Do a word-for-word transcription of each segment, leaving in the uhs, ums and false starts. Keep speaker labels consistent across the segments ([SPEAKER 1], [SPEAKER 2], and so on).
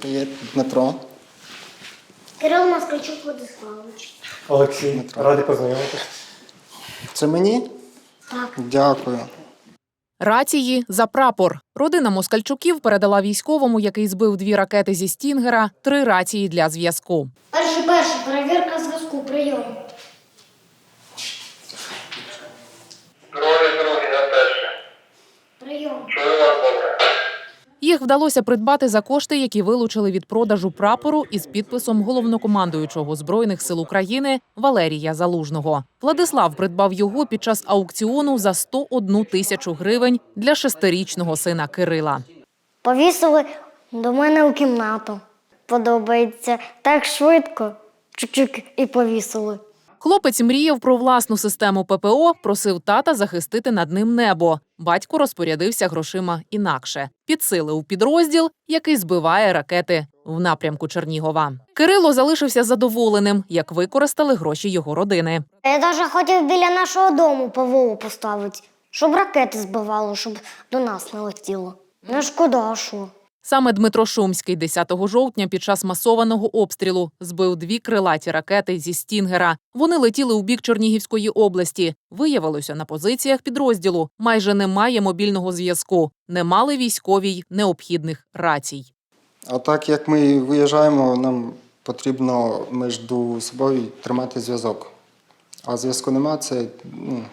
[SPEAKER 1] Привіт, Дмитро.
[SPEAKER 2] Кирил Москальчук Владиславович.
[SPEAKER 3] Олексій,
[SPEAKER 1] Дмитро.
[SPEAKER 3] радий познайомитися.
[SPEAKER 1] Це мені?
[SPEAKER 2] Так.
[SPEAKER 1] Дякую.
[SPEAKER 4] Рації за прапор. Родина Москальчуків передала військовому, який збив дві ракети зі «Стінгера», три рації для зв'язку.
[SPEAKER 2] Перший, перший, перевірка зв'язку, прийом.
[SPEAKER 5] Другий, другий, на перше.
[SPEAKER 2] Прийом.
[SPEAKER 5] Чую вас добре.
[SPEAKER 4] Їх вдалося придбати за кошти, які вилучили від продажу прапору із підписом головнокомандуючого Збройних сил України Валерія Залужного. Владислав придбав його під час аукціону за сто одну тисячу гривень для шестирічного сина Кирила.
[SPEAKER 2] Повісили до мене у кімнату. Подобається. Так швидко. Чик-чик і повісили.
[SPEAKER 4] Хлопець мріяв про власну систему ППО, просив тата захистити над ним небо. Батько розпорядився грошима інакше. Підсилив підрозділ, який збиває ракети в напрямку Чернігова. Кирило залишився задоволеним, як використали гроші його родини.
[SPEAKER 2] Я навіть хотів біля нашого дому ПВО поставити, щоб ракети збивало, щоб до нас не летіло. Не шкода, а що?
[SPEAKER 4] Саме Дмитро Шумський десятого жовтня під час масованого обстрілу збив дві крилаті ракети зі «Стінгера». Вони летіли у бік Чернігівської області. Виявилося, на позиціях підрозділу майже немає мобільного зв'язку. Не мали військові й необхідних рацій.
[SPEAKER 1] А так як ми виїжджаємо, нам потрібно між собою тримати зв'язок. А зв'язку нема, це, ну,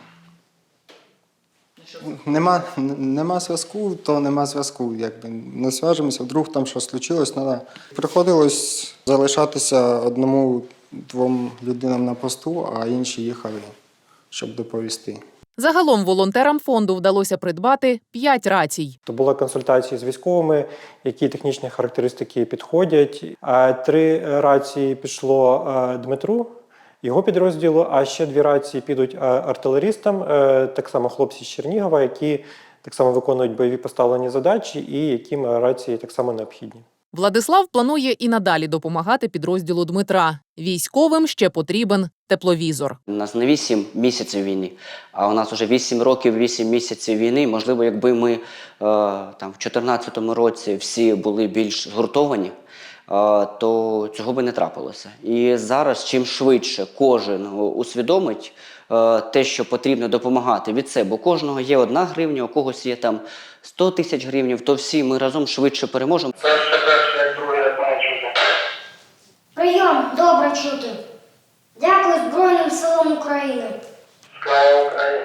[SPEAKER 1] нема, нема зв'язку, то нема зв'язку. Якби не зв'яжемося, вдруг там щось случилось, треба. Приходилось залишатися одному-двом людинам на посту, а інші їхали, щоб доповісти.
[SPEAKER 4] Загалом волонтерам фонду вдалося придбати п'ять рацій.
[SPEAKER 3] То були консультації з військовими, які технічні характеристики підходять. А три рації пішло е, Дмитру, його підрозділу, а ще дві рації підуть е, артилерістам, е, так само хлопці з Чернігова, які так само виконують бойові поставлені задачі і яким рації так само необхідні.
[SPEAKER 4] Владислав планує і надалі допомагати підрозділу Дмитра. Військовим ще потрібен тепловізор.
[SPEAKER 6] У нас не вісім місяців війни, а у нас вже вісім років, вісім місяців війни. Можливо, якби ми е, там, в чотирнадцятому році всі були більш згуртовані, е, то цього би не трапилося. І зараз, чим швидше кожен усвідомить е, те, що потрібно допомагати від себе. У кожного є одна гривня, у когось є там сто тисяч гривень, то всі ми разом швидше переможемо.
[SPEAKER 5] Перше, перше, як другий, як мене чути.
[SPEAKER 2] Прийом, добре чути. Дякую Збройним силам України.
[SPEAKER 5] Слава Україні.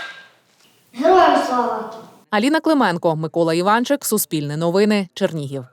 [SPEAKER 2] Героям слава!
[SPEAKER 4] Аліна Клименко, Микола Іванчик, Суспільне новини, Чернігів.